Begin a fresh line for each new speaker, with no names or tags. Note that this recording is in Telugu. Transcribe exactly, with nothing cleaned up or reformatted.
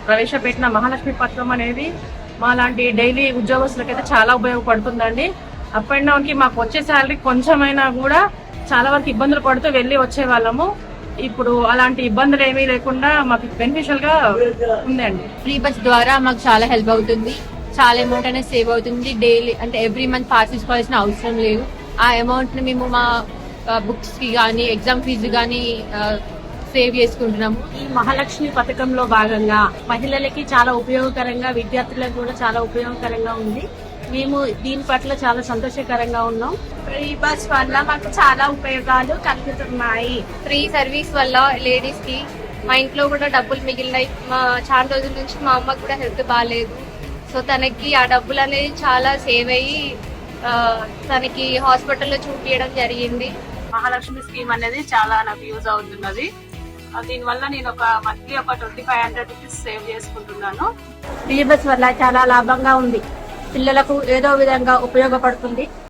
ప్రవేశపెట్టిన మహాలక్ష్మి పథకం అనేది మా లాంటి డైలీ ఉద్యోగస్తులకైతే చాలా ఉపయోగపడుతుందండి. అప్ అండ్ డౌన్ కి మాకు వచ్చే శాలరీ కొంచెమైనా కూడా చాలా వరకు ఇబ్బందులు పడుతూ వెళ్ళి వచ్చే వాళ్ళము. ఇప్పుడు అలాంటి ఇబ్బందులు ఏమీ లేకుండా మాకు బెనిఫిషియల్ గా ఉందండి.
ఫ్రీ బస్ ద్వారా మాకు చాలా హెల్ప్ అవుతుంది. చాలా అమౌంట్ అనేది సేవ్ అవుతుంది. డైలీ అంటే ఎవ్రీ మంత్ పాస్ తీసుకోవాల్సిన అవసరం లేదు. ఆ అమౌంట్ ని మేము మా బుక్స్ కి కానీ ఎగ్జామ్ ఫీజు కానీ సేవ్ చేసుకుంటున్నాము.
ఈ మహాలక్ష్మి పథకంలో భాగంగా మహిళలకి చాలా ఉపయోగకరంగా, విద్యార్థులకు కూడా చాలా ఉపయోగకరంగా ఉంది. మేము దీని పట్ల చాలా సంతోషకరంగా ఉన్నాం.
ఫ్రీ బస్ వల్ల మాకు చాలా ఉపయోగాలు కలుగుతున్నాయి.
ఫ్రీ సర్వీస్ వల్ల లేడీస్ కి మా ఇంట్లో కూడా డబ్బులు మిగిలినాయి. మా చాలా రోజుల నుంచి మా అమ్మకు కూడా హెల్త్ బాగాలేదు. సో తనకి ఆ డబ్బులు అనేది చాలా సేవ్ అయ్యి తనకి హాస్పిటల్లో చూపించడం జరిగింది.
మహాలక్ష్మి స్కీమ్ అనేది చాలా నాకు యూజ్ అవుతున్నది. దీనివల్ల నేను ఒక మంత్లీ ఒక twenty five hundred rupees save చేసుకుంటున్నాను.
ఫ్రీ బస్ వల్ల చాలా లాభంగా ఉంది. పిల్లలకు ఏదో విధంగా ఉపయోగపడుతుంది.